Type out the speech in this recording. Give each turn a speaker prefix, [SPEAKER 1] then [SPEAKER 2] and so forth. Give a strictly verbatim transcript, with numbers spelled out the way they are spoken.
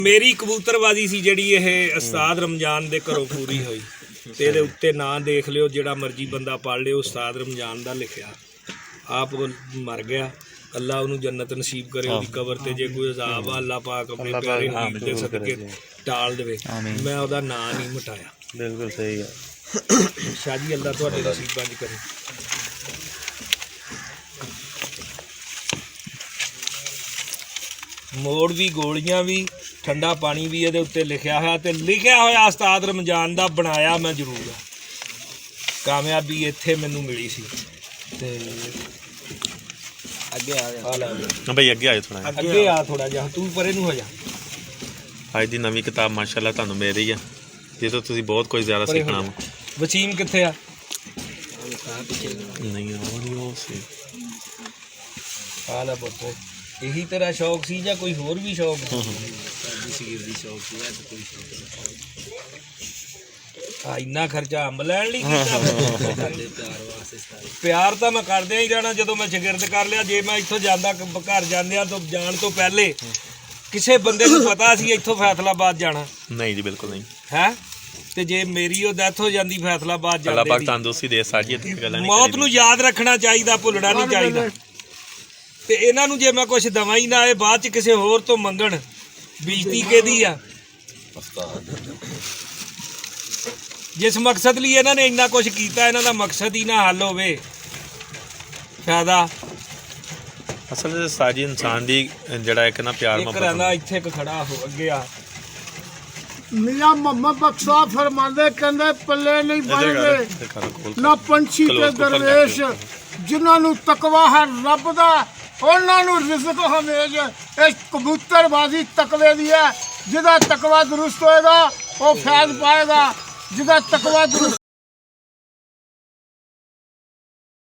[SPEAKER 1] ਮੇਰੀ ਕਬੂਤਰਬਾਜ਼ੀ ਸੀ ਜਿਹੜੀ ਇਹ ਉਸਤਾਦ ਰਮਜ਼ਾਨ ਦੇ ਘਰੋਂ ਪੂਰੀ ਹੋਈ ਤੇ ਇਹਦੇ ਉੱਤੇ ਨਾਂ ਦੇਖ ਲਿਓ, ਜਿਹੜਾ ਮਰਜੀ ਬੰਦਾ ਪੜ੍ਹ ਲਿਓ, ਉਸਤਾਦ ਰਮਜ਼ਾਨ ਦਾ ਲਿਖਿਆ। ਆਪ ਮਰ ਗਿਆ, ਅੱਲਾ ਉਹਨੂੰ ਜੰਨਤ ਨਸੀਬ ਕਰੇ, ਉਹਦੀ ਕਬਰ ਤੇ ਜੇ ਕੋਈ ਅਜ਼ਾਬ ਆ ਅੱਲਾ ਪਾਕ ਆਪਣੇ ਪਿਆਰੇ ਹਬੀਬ ਦੇ ਸਦਕੇ ਟਾਲ ਦੇਵੇ। ਮੈਂ ਉਹਦਾ ਨਾਂ ਨਹੀਂ ਮਿਟਾਇਆ।
[SPEAKER 2] ਬਿਲਕੁਲ ਸਹੀ ਹੈ
[SPEAKER 1] ਸ਼ਾਹ ਜੀ, ਅੱਲਾ ਤੁਹਾਡੇ ਨਸੀਬਾਂ 'ਚ ਕਰੇ। ਮੋੜ ਵੀ, ਗੋਲੀਆਂ ਵੀ, ਠੰਡਾ ਪਾਣੀ ਵੀ ਇਹਦੇ ਉੱਤੇ ਲਿਖਿਆ ਹੋਇਆ ਤੇ ਲਿਖਿਆ ਹੋਇਆ ਉਸਤਾਦ ਰਮਜ਼ਾਨ ਦਾ ਬਣਾਇਆ ਮੈਂ ਜ਼ਰੂਰ ਆ। ਕਾਮਯਾਬੀ ਇੱਥੇ ਮੈਨੂੰ ਮਿਲੀ ਸੀ। ਤੇ ਅੱਗੇ ਆ ਜਾ
[SPEAKER 2] ਹਾਂ ਬਈ, ਅੱਗੇ ਆਇਓ ਥੋੜਾ
[SPEAKER 1] ਅੱਗੇ ਆ ਥੋੜਾ ਜਿਹਾ, ਤੂੰ ਪਰੇ ਨੂੰ ਹੋ ਜਾ।
[SPEAKER 2] ਅੱਜ ਦੀ ਨਵੀਂ ਕਿਤਾਬ ਮਾਸ਼ਾਅੱਲਾ ਤੁਹਾਨੂੰ ਮਿਲ ਰਹੀ ਆ, ਜਿਸ ਤੋਂ ਤੁਸੀਂ ਬਹੁਤ ਕੁਝ ਜ਼ਿਆਦਾ ਸਿੱਖਣਾ ਵਾ।
[SPEAKER 1] ਵਸੀਮ ਕਿੱਥੇ ਆ?
[SPEAKER 2] ਨਹੀਂ ਉਹ ਨਹੀਂ ਉਹ ਸੀ।
[SPEAKER 1] ਆ ਲੈ ਪੁੱਤ, ਇਹੀ ਤੇਰਾ ਸ਼ੌਕ ਸੀ ਜਾਂ ਕੋਈ ਹੋਰ ਵੀ ਸ਼ੌਕ ਸੀ? ਆ ਇੰਨਾ ਖਰਚਾ ਅੰਬ ਲੈਣ ਲਈ ਕੀਤਾ? ਪਿਆਰ ਤਾਂ ਮੈਂ ਕਰਦਿਆਂ ਹੀ ਰਹਿਣਾ ਜਦੋਂ ਮੈਂ ਸ਼ਾਗਿਰਦ ਕਰ ਲਿਆ। ਜੇ ਮੈਂ ਇੱਥੋਂ ਜਾਂਦਾ ਘਰ ਜਾਂਦਿਆਂ ਤੋਂ ਜਾਣ ਤੋਂ ਪਹਿਲੇ ਕਿਸੇ ਬੰਦੇ ਨੂੰ ਪਤਾ ਸੀ ਇੱਥੋਂ ਫੈਸਲਾਬਾਦ ਜਾਣਾ?
[SPEAKER 2] ਨਹੀਂ ਜੀ, ਬਿਲਕੁਲ ਨਹੀਂ
[SPEAKER 1] ਹੈ। ਤੇ ਜੇ ਮੇਰੀ ਉਹ ਡੈਥ ਹੋ ਜਾਂਦੀ ਫੈਸਲਾਬਾਦ
[SPEAKER 2] ਅੱਲਾਹ ਪਾਕ
[SPEAKER 1] ਜਾਂਦੇ,
[SPEAKER 2] ਤੰਦਰੁਸਤੀ ਦੇ ਸਾਜੀ ਤੇ ਗੱਲਾਂ ਨਹੀਂ
[SPEAKER 1] ਮੌਤ ਨੂੰ ਯਾਦ ਰੱਖਣਾ ਚਾਹੀਦਾ, ਭੁੱਲਣਾ ਨਹੀਂ ਚਾਹੀਦਾ। ਤੇ ਇਹਨਾਂ ਨੂੰ ਜੇ ਮੈਂ ਕੁਛ ਦਵਾਂ ਹੀ ਨਾ, ਇਹ ਬਾਅਦ ਚ ਕਿਸੇ ਹੋਰ ਤੋਂ ਮੰਗਣ, ਬੇਇੱਜ਼ਤੀ ਕਿਹਦੀ ਆ? ਜਿਸ ਮਕਸਦ ਲਈ ਇਹਨਾਂ ਨੇ ਇੰਨਾ ਕੁਛ ਕੀਤਾ, ਇਹਨਾਂ ਦਾ ਮਕਸਦ ਹੀ ਨਾ ਹੱਲ ਹੋਵੇ, ਫਾਇਦਾ।
[SPEAKER 2] ਅਸਲ ਵਿੱਚ ਸਾਜੀ ਇਨਸਾਨ ਦੀ ਜਿਹੜਾ ਇੱਕ ਨਾ ਪਿਆਰ
[SPEAKER 1] ਇੱਕ
[SPEAKER 2] ਮੁਹੱਬਤ
[SPEAKER 1] ਰਹਿੰਦਾ ਇੱਥੇ ਇੱਕ ਖੜਾ ਹੋ ਅੱਗੇ ਆ।
[SPEAKER 3] मियाँ मोहम्मद बख्शा फरमाते कहते पल्ले नहीं बनते ना पंछी ते दरवेश, जिन्होंने तकवा है रब दा उन्होंने रिज़्क हमेज। इस कबूतरबाजी तकवे दी है, जिदा तकवा दुरुस्त होएगा वो फैज़ पाएगा, जिदा तकवा दुरुस्त